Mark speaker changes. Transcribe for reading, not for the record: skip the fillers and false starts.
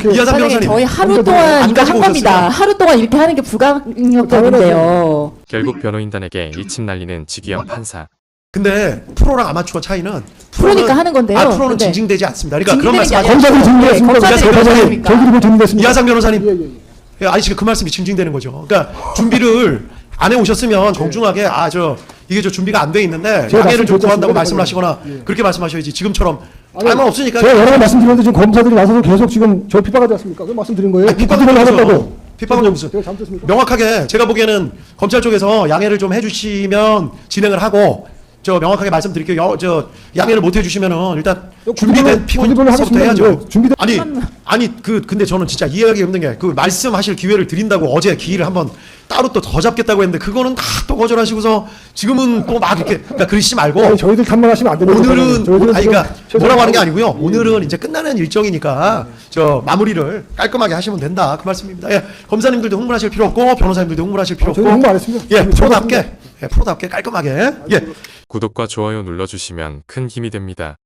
Speaker 1: 이렇게
Speaker 2: 이하상
Speaker 3: 사장님,
Speaker 2: 변호사님
Speaker 3: 저희 하루
Speaker 1: 안
Speaker 3: 동안 이거
Speaker 2: 가지고
Speaker 3: 한 겁니다.
Speaker 2: 오셨어요?
Speaker 3: 하루 동안 이렇게 하는 게 불가능력적인데요.
Speaker 4: 결국 변호인단에게 이침 날리는 지기현 판사.
Speaker 2: 근데 프로랑 아마추어 차이는
Speaker 3: 프로니까 하는 건데요.
Speaker 2: 프로는
Speaker 3: 근데
Speaker 2: 징징대지 않습니다. 그러니까 그런
Speaker 3: 징징대는
Speaker 2: 말씀
Speaker 3: 게 아니라
Speaker 1: 검사들이 증명했습니다.
Speaker 3: 검사들이
Speaker 1: 검사들이 저희들이 뭐 증명했습니다.
Speaker 2: 이하상 변호사님
Speaker 1: 예, 예, 예.
Speaker 2: 예, 아니 지금 그 말씀이 징징대는 거죠. 그러니까 준비를 안 해오셨으면 정중하게 이게 준비가 안 돼 있는데
Speaker 1: 제가
Speaker 2: 양해를 좀
Speaker 1: 말씀드렸죠.
Speaker 2: 구한다고
Speaker 1: 제가
Speaker 2: 말씀을 하시거나
Speaker 1: 예.
Speaker 2: 그렇게 말씀하셔야지 지금처럼
Speaker 1: 아니,
Speaker 2: 알만 없으니까
Speaker 1: 제가 여러 번 말씀드렸는데 지금 검사들이 나서서 계속 지금 저 핍박하지 않습니까? 그 말씀드린 거예요.
Speaker 2: 아니, 핍박은
Speaker 1: 부탁을
Speaker 2: 무슨
Speaker 1: 하셨다고.
Speaker 2: 핍박은 무슨
Speaker 1: 제가 잘못했습니까?
Speaker 2: 명확하게 제가 보기에는 검찰 쪽에서 양해를 좀 해주시면 진행을 하고 저 명확하게 말씀드릴게요. 저 양해를 못 해주시면은 일단 준비된
Speaker 1: 구두변을
Speaker 2: 피고인서부터
Speaker 1: 하겠습니다.
Speaker 2: 해야죠.
Speaker 1: 네, 준비된
Speaker 2: 아니 근데 저는 진짜 이해하기 힘든 게 그 말씀하실 기회를 드린다고 어제 기일을 한번 따로 또 더 잡겠다고 했는데 그거는 다 또 거절하시고서 지금은 또 막 이렇게 그러니까 그러시지 말고
Speaker 1: 아니, 저희들 탐문하시면 안 됩니다.
Speaker 2: 오늘은
Speaker 1: 저희들은
Speaker 2: 아니 그러니까
Speaker 1: 지금
Speaker 2: 뭐라고 하는 게
Speaker 1: 최선을
Speaker 2: 아니고요.
Speaker 1: 다하고-
Speaker 2: 오늘은 이제 끝나는 일정이니까 저 마무리를 깔끔하게 하시면 된다 그 말씀입니다. 예, 검사님들도 흥분하실 필요 없고 변호사님들도 흥분하실 필요 없고
Speaker 1: 저희는 흥분 안 했습니다.
Speaker 2: 예,
Speaker 1: 저희는
Speaker 2: 프로답게 프로답게 깔끔하게 예.
Speaker 4: 구독과 좋아요 눌러주시면 큰 힘이 됩니다.